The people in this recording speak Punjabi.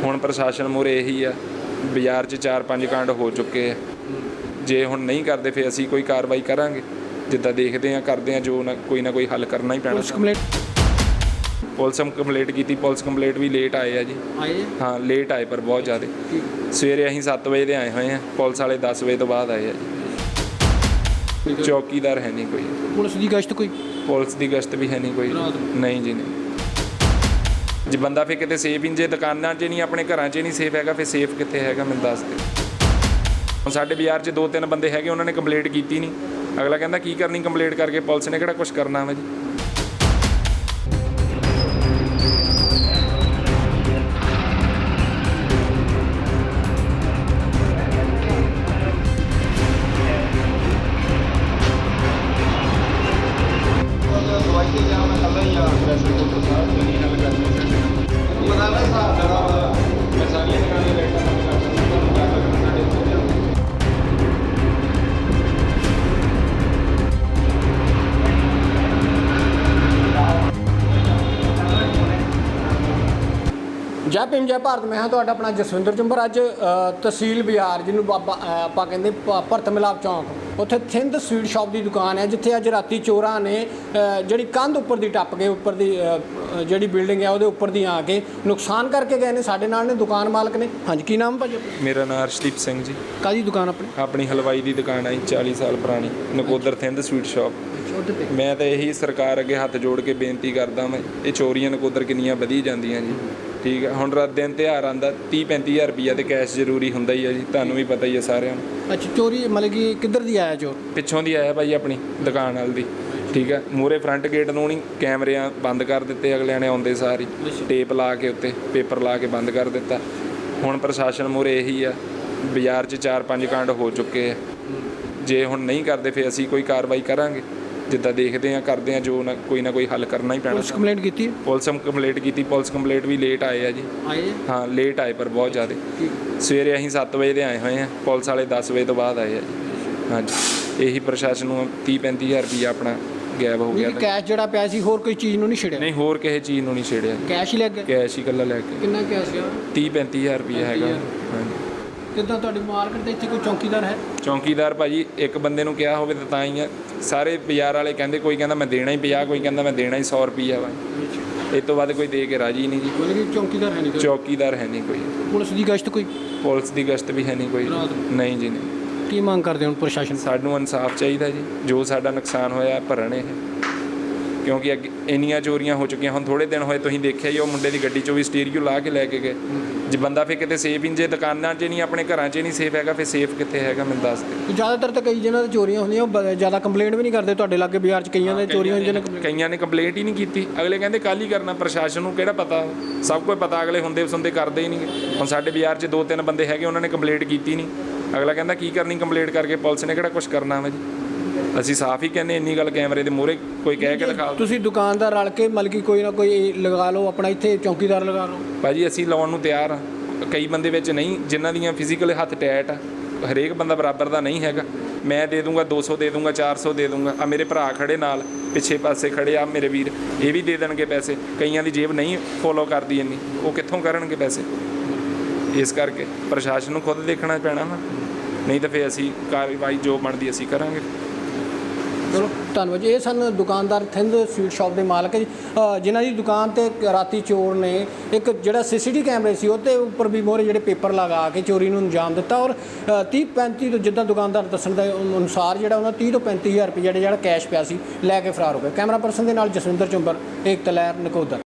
ਹੁਣ ਪ੍ਰਸ਼ਾਸਨ ਮੂਹਰੇ ਇਹੀ ਆ, ਬਾਜ਼ਾਰ 'ਚ 4-5 ਕਾਂਡ ਹੋ ਚੁੱਕੇ ਆ। ਜੇ ਹੁਣ ਨਹੀਂ ਕਰਦੇ ਫਿਰ ਅਸੀਂ ਕੋਈ ਕਾਰਵਾਈ ਕਰਾਂਗੇ, ਜਿੱਦਾਂ ਦੇਖਦੇ ਹਾਂ ਕਰਦੇ ਹਾਂ, ਜੋ ਨਾ ਕੋਈ ਹੱਲ ਕਰਨਾ ਹੀ ਪੈਣਾ। ਪੁਲਿਸ ਕੰਪਲੇਂਟ ਕੀਤੀ, ਪੁਲਿਸ ਕੰਪਲੇਂਟ ਵੀ ਲੇਟ ਆਏ ਆ ਜੀ। ਹਾਂ ਲੇਟ ਆਏ ਪਰ ਬਹੁਤ ਜ਼ਿਆਦਾ। ਸਵੇਰੇ ਅਸੀਂ 7 ਵਜੇ ਦੇ ਆਏ ਹੋਏ ਹਾਂ, ਪੁਲਿਸ ਵਾਲੇ 10 ਵਜੇ ਤੋਂ ਬਾਅਦ ਆਏ ਆ ਜੀ। ਚੌਕੀਦਾਰ ਹੈ ਨਹੀਂ ਕੋਈ। ਪੁਲਿਸ ਦੀ ਗਸ਼ਤ ਵੀ ਹੈ ਨਹੀਂ ਕੋਈ। ਨਹੀਂ ਜੀ ਨਹੀਂ। ਜੇ ਬੰਦਾ ਫਿਰ ਕਿਤੇ ਸੇਫ ਹੀ, ਜੇ ਦੁਕਾਨਾਂ 'ਚ ਨਹੀਂ ਆਪਣੇ ਘਰਾਂ 'ਚ ਨਹੀਂ ਸੇਫ ਹੈਗਾ, ਫਿਰ ਸੇਫ ਕਿੱਥੇ ਹੈਗਾ ਮੈਨੂੰ ਦੱਸ ਦੇ। ਹੁਣ ਸਾਡੇ ਬਾਜ਼ਾਰ 'ਚ 2-3 ਬੰਦੇ ਹੈਗੇ, ਉਹਨਾਂ ਨੇ ਕੰਪਲੇਂਟ ਕੀਤੀ ਨਹੀਂ। ਅਗਲਾ ਕਹਿੰਦਾ ਕੀ ਕਰਨੀ ਕੰਪਲੇਂਟ ਕਰਕੇ, ਪੁਲਿਸ ਨੇ ਕਿਹੜਾ ਕੁਛ ਕਰਨਾ ਵਾ ਜੀ। ਜੈ ਭੀਮ ਜੈ ਭਾਰਤ। ਮੈਂ ਹਾਂ ਤੁਹਾਡਾ ਆਪਣਾ ਜਸਵਿੰਦਰ ਚੁੰਬਰ। ਅੱਜ ਤਹਿਸੀਲ ਬਾਜ਼ਾਰ, ਜਿਹਨੂੰ ਆਪਾਂ ਕਹਿੰਦੇ ਭਰਤ ਮਿਲਾਪ ਚੌਂਕ, ਉੱਥੇ ਥਿੰਦ ਸਵੀਟ ਸ਼ਾਪ ਦੀ ਦੁਕਾਨ ਹੈ, ਜਿੱਥੇ ਅੱਜ ਰਾਤੀ ਚੋਰਾਂ ਨੇ ਜਿਹੜੀ ਕੰਧ ਉੱਪਰ ਦੀ ਟੱਪ ਕੇ, ਉੱਪਰ ਦੀ ਜਿਹੜੀ ਬਿਲਡਿੰਗ ਹੈ ਉਹਦੇ ਉੱਪਰ ਦੀ ਆ ਕੇ ਨੁਕਸਾਨ ਕਰਕੇ ਗਏ ਨੇ। ਸਾਡੇ ਨਾਲ ਨੇ ਦੁਕਾਨ ਮਾਲਕ ਨੇ। ਹਾਂਜੀ, ਕੀ ਨਾਮ ਭਾਜੀ? ਮੇਰਾ ਨਾਮ ਅਰਸ਼ਦੀਪ ਸਿੰਘ ਜੀ। ਕਾਹਦੀ ਦੁਕਾਨ ਆਪਣੀ? ਆਪਣੀ ਹਲਵਾਈ ਦੀ ਦੁਕਾਨ ਹੈ 40 ਸਾਲ ਪੁਰਾਣੀ, ਨਕੋਦਰ ਥਿੰਦ ਸਵੀਟ ਸ਼ਾਪ। ਮੈਂ ਤਾਂ ਇਹੀ ਸਰਕਾਰ ਅੱਗੇ ਹੱਥ ਜੋੜ ਕੇ ਬੇਨਤੀ ਕਰਦਾ ਮੈਂ, ਇਹ ਚੋਰੀਆਂ ਨਕੋਦਰ ਕਿੰਨੀਆਂ ਵਧੀ ਜਾਂਦੀਆਂ ਜੀ। ਠੀਕ ਹੈ, ਹੁਣ ਰਾਤ ਦਿਨ ਤਿਉਹਾਰ ਆਉਂਦਾ, 30-35 ਹਜ਼ਾਰ ਰੁਪਈਆ ਤੇ ਕੈਸ਼ ਜ਼ਰੂਰੀ ਹੁੰਦਾ ਹੀ ਹੈ ਜੀ, ਤੁਹਾਨੂੰ ਵੀ ਪਤਾ ਹੀ ਹੈ ਸਾਰਿਆਂ ਨੂੰ। ਅੱਛਾ, ਚੋਰੀ ਮਤਲਬ ਕਿ ਕਿੱਧਰ ਦੀ ਆਇਆ ਚੋਰ? ਪਿੱਛੋਂ ਦੀ ਆਇਆ ਭਾਈ, ਆਪਣੀ ਦੁਕਾਨ ਵਾਲ ਦੀ। ਠੀਕ ਹੈ, ਮੂਹਰੇ ਫਰੰਟ ਗੇਟ ਨੂੰ ਨਹੀਂ ਕੈਮਰਿਆਂ ਬੰਦ ਕਰ ਦਿੱਤੇ ਅਗਲਿਆਂ ਨੇ, ਆਉਂਦੇ ਸਾਰ ਹੀ ਟੇਪ ਲਾ ਕੇ ਉੱਤੇ ਪੇਪਰ ਲਾ ਕੇ ਬੰਦ ਕਰ ਦਿੱਤਾ। ਹੁਣ ਪ੍ਰਸ਼ਾਸਨ ਮੂਹਰੇ ਇਹੀ ਆ, ਬਾਜ਼ਾਰ 'ਚ 4-5 ਕਾਂਡ ਹੋ ਚੁੱਕੇ ਆ। ਜੇ ਹੁਣ ਨਹੀਂ ਕਰਦੇ ਫਿਰ ਅਸੀਂ ਕੋਈ ਕਾਰਵਾਈ ਕਰਾਂਗੇ, ਜਿੱਦਾਂ ਦੇਖਦੇ ਹਾਂ ਕਰਦੇ ਹਾਂ, ਜੋ ਨਾ ਕੋਈ ਹੱਲ ਕਰਨਾ ਹੀ ਪੈਣਾ। ਪੁਲਿਸ ਕੰਪਲੇਂਟ ਕੀਤੀ? ਪੁਲਿਸ ਕੰਪਲੇਂਟ ਕੀਤੀ, ਪੁਲਿਸ ਕੰਪਲੇਂਟ ਵੀ ਲੇਟ ਆਏ ਆ ਜੀ। ਹਾਂ ਲੇਟ ਆਏ ਪਰ ਬਹੁਤ ਜ਼ਿਆਦਾ। ਸਵੇਰੇ ਅਸੀਂ 7 ਵਜੇ ਦੇ ਆਏ ਹੋਏ ਹਾਂ, ਪੁਲਿਸ ਵਾਲੇ 10 ਵਜੇ ਤੋਂ ਬਾਅਦ ਆਏ ਆ ਜੀ। ਹਾਂਜੀ, ਇਹੀ ਪ੍ਰਸ਼ਾਸਨ ਨੂੰ 30-35 ਹਜ਼ਾਰ ਰੁਪਈਆ ਆਪਣਾ ਗਾਇਬ ਹੋ ਗਿਆ। ਕੈਸ਼ ਜਿਹੜਾ ਪਿਆ ਸੀ, ਹੋਰ ਕੋਈ ਚੀਜ਼ ਨੂੰ ਨਹੀਂ ਛੇੜਿਆ? ਨਹੀਂ, ਹੋਰ ਕਿਸੇ ਚੀਜ਼ ਨੂੰ ਨਹੀਂ ਛੇੜਿਆ। ਕੈਸ਼ ਹੀ ਲੈ ਗਏ? ਕੈਸ਼ ਹੀ ਇਕੱਲਾ ਲੈ ਕੇ। ਕਿੰਨਾ ਕੈਸ਼ ਗਿਆ? 30-35 ਹਜ਼ਾਰ ਰੁਪਈਆ ਹੈਗਾ। ਹਾਂਜੀ। ਕਿੱਦਾਂ ਤੁਹਾਡੀ ਮਾਰਕੀਟ ਦੇ ਇੱਥੇ ਕੋਈ ਚੌਕੀਦਾਰ ਹੈ? ਚੌਕੀਦਾਰ ਭਾਜੀ ਇੱਕ ਬੰਦੇ ਨੂੰ ਕਿਹਾ ਹੋਵੇ ਤਾਂ ਹੀ ਆ। ਸਾਰੇ ਬਾਜ਼ਾਰ ਵਾਲੇ ਕਹਿੰਦੇ, ਕੋਈ ਕਹਿੰਦਾ ਮੈਂ ਦੇਣਾ ਹੀ 50, ਕੋਈ ਕਹਿੰਦਾ ਮੈਂ ਦੇਣਾ ਹੀ 100 ਰੁਪਈਆ ਵਾ। ਇਸ ਤੋਂ ਬਾਅਦ ਕੋਈ ਦੇ ਕੇ ਰਾਜੀ ਨਹੀਂ ਜੀ। ਮਤਲਬ ਕਿ ਚੌਕੀਦਾਰ ਹੈ ਨਹੀਂ? ਚੌਕੀਦਾਰ ਹੈ ਨਹੀਂ ਕੋਈ। ਪੁਲਿਸ ਦੀ ਗਸ਼ਤ ਕੋਈ? ਪੁਲਿਸ ਦੀ ਗਸ਼ਤ ਵੀ ਹੈ ਨਹੀਂ ਕੋਈ। ਨਹੀਂ ਜੀ ਨਹੀਂ। ਕੀ ਮੰਗ ਕਰਦੇ ਹੁਣ ਪ੍ਰਸ਼ਾਸਨ? ਸਾਨੂੰ ਇਨਸਾਫ ਚਾਹੀਦਾ ਜੀ, ਜੋ ਸਾਡਾ ਨੁਕਸਾਨ ਹੋਇਆ ਭਰਨ ਇਹ, ਕਿਉਂਕਿ ਅੱਗੇ ਇੰਨੀਆਂ ਚੋਰੀਆਂ ਹੋ ਚੁੱਕੀਆਂ। ਹੁਣ ਥੋੜ੍ਹੇ ਦਿਨ ਹੋਏ ਤੁਸੀਂ ਦੇਖਿਆ ਹੀ, ਉਹ ਮੁੰਡੇ ਦੀ ਗੱਡੀ 'ਚੋਂ ਵੀ ਸਟੀਰੀਓ ਲਾ ਕੇ ਲੈ ਕੇ ਗਏ। ਜੇ ਬੰਦਾ ਫਿਰ ਕਿਤੇ ਸੇਫ ਹੀ, ਜੇ ਦੁਕਾਨਾਂ 'ਚ ਨਹੀਂ ਆਪਣੇ ਘਰਾਂ 'ਚ ਨਹੀਂ ਸੇਫ ਹੈਗਾ, ਫਿਰ ਸੇਫ ਕਿੱਥੇ ਹੈਗਾ ਮੈਨੂੰ ਦੱਸ ਦੇ। ਜ਼ਿਆਦਾਤਰ ਤਾਂ ਕਈ ਜਿਹਨਾਂ ਦੀ ਚੋਰੀਆਂ ਹੁੰਦੀਆਂ ਉਹ ਜ਼ਿਆਦਾ ਕੰਪਲੇਂਟ ਵੀ ਨਹੀਂ ਕਰਦੇ। ਤੁਹਾਡੇ ਲਾਗੇ ਬਾਜ਼ਾਰ 'ਚ ਕਈਆਂ ਦੇ ਚੋਰੀਆਂ ਹੁੰਦੀਆਂ ਨੇ, ਕਈਆਂ ਨੇ ਕੰਪਲੇਂਟ ਹੀ ਨਹੀਂ ਕੀਤੀ। ਅਗਲੇ ਕਹਿੰਦੇ ਕੱਲ੍ਹ ਹੀ ਕਰਨਾ। ਪ੍ਰਸ਼ਾਸਨ ਨੂੰ ਕਿਹੜਾ ਪਤਾ? ਸਭ ਕੁਝ ਪਤਾ, ਅਗਲੇ ਹੁੰਦੇ ਸੁਣਦੇ ਕਰਦੇ ਹੀ ਨਹੀਂ। ਹੁਣ ਸਾਡੇ ਬਾਜ਼ਾਰ 'ਚ 2-3 ਬੰਦੇ ਹੈਗੇ, ਉਹਨਾਂ ਨੇ ਕੰਪਲੇਂਟ ਕੀਤੀ ਨਹੀਂ। ਅਗਲਾ ਕਹਿੰਦਾ ਕੀ ਕਰਨੀ ਕੰਪਲੇਂਟ ਕਰਕੇ, ਪੁਲਿਸ ਨੇ ਕਿਹੜਾ ਕੁਛ ਕਰਨਾ ਵਾ ਜੀ। ਅਸੀਂ ਸਾਫ਼ ਹੀ ਕਹਿੰਦੇ, ਇੰਨੀ ਗੱਲ ਕੈਮਰੇ ਦੇ ਮੂਹਰੇ ਕੋਈ ਕਹਿ ਕੇ ਦਿਖਾ। ਤੁਸੀਂ ਦੁਕਾਨਦਾਰ ਰਲ ਕੇ ਮਤਲਬ ਕਿ ਕੋਈ ਨਾ ਕੋਈ ਲਗਾ ਲਓ, ਆਪਣਾ ਇੱਥੇ ਚੌਕੀਦਾਰ ਲਗਾ ਲਓ। ਭਾਜੀ ਅਸੀਂ ਲਾਉਣ ਨੂੰ ਤਿਆਰ ਹਾਂ। ਕਈ ਬੰਦੇ ਵਿੱਚ ਨਹੀਂ, ਜਿਨ੍ਹਾਂ ਦੀਆਂ ਫਿਜ਼ੀਕਲ ਹੱਥ ਟੈਟ ਆ। ਹਰੇਕ ਬੰਦਾ ਬਰਾਬਰ ਦਾ ਨਹੀਂ ਹੈਗਾ। ਮੈਂ ਦੇ ਦੂੰਗਾ 200 ਦੇ ਦੂੰਗਾ, 400 ਦੇ ਦੂੰਗਾ। ਆ ਮੇਰੇ ਭਰਾ ਖੜੇ ਨਾਲ ਪਿੱਛੇ ਪਾਸੇ ਖੜੇ ਆ ਮੇਰੇ ਵੀਰ, ਇਹ ਵੀ ਦੇ ਦੇਣਗੇ ਪੈਸੇ। ਕਈਆਂ ਦੀ ਜੇਬ ਨਹੀਂ ਫੋਲੋ ਕਰਦੀ ਇੰਨੀ, ਉਹ ਕਿੱਥੋਂ ਕਰਨਗੇ ਪੈਸੇ? ਇਸ ਕਰਕੇ ਪ੍ਰਸ਼ਾਸਨ ਨੂੰ ਖੁਦ ਦੇਖਣਾ ਪੈਣਾ ਵਾ, ਨਹੀਂ ਤਾਂ ਫਿਰ ਅਸੀਂ ਕਾਰਵਾਈ ਜੋ ਬਣਦੀ ਅਸੀਂ ਕਰਾਂਗੇ। ਚਲੋ ਧੰਨਵਾਦ ਜੀ। ਇਹ ਸਨ ਦੁਕਾਨਦਾਰ ਥਿੰਦ ਸਵੀਟ ਸ਼ਾਪ ਦੇ ਮਾਲਕ ਜੀ, ਜਿਨ੍ਹਾਂ ਦੀ ਦੁਕਾਨ 'ਤੇ ਰਾਤੀ ਚੋਰ ਨੇ ਇੱਕ ਜਿਹੜਾ CCTV ਕੈਮਰੇ ਸੀ ਉਹਦੇ ਉੱਪਰ ਵੀ ਮੋਹਰੇ ਜਿਹੜੇ ਪੇਪਰ ਲਗਾ ਕੇ ਚੋਰੀ ਨੂੰ ਅੰਜਾਮ ਦਿੱਤਾ। ਔਰ 30-35 ਤੋਂ ਜਿੱਦਾਂ ਦੁਕਾਨਦਾਰ ਦੱਸਣ ਦੇ ਅਨੁਸਾਰ ਜਿਹੜਾ ਉਹਨਾਂ 30 ਤੋਂ 35 ਹਜ਼ਾਰ ਰੁਪਏ ਜਿਹੜਾ ਕੈਸ਼ ਪਿਆ ਸੀ ਲੈ ਕੇ ਫਰਾਰ ਹੋ ਗਏ। ਕੈਮਰਾ ਪਰਸਨ ਦੇ ਨਾਲ ਜਸਵਿੰਦਰ ਚੁੰਬਰ, ਏਕਤਾ ਲਹਿਰ, ਨਕੋਦਰ।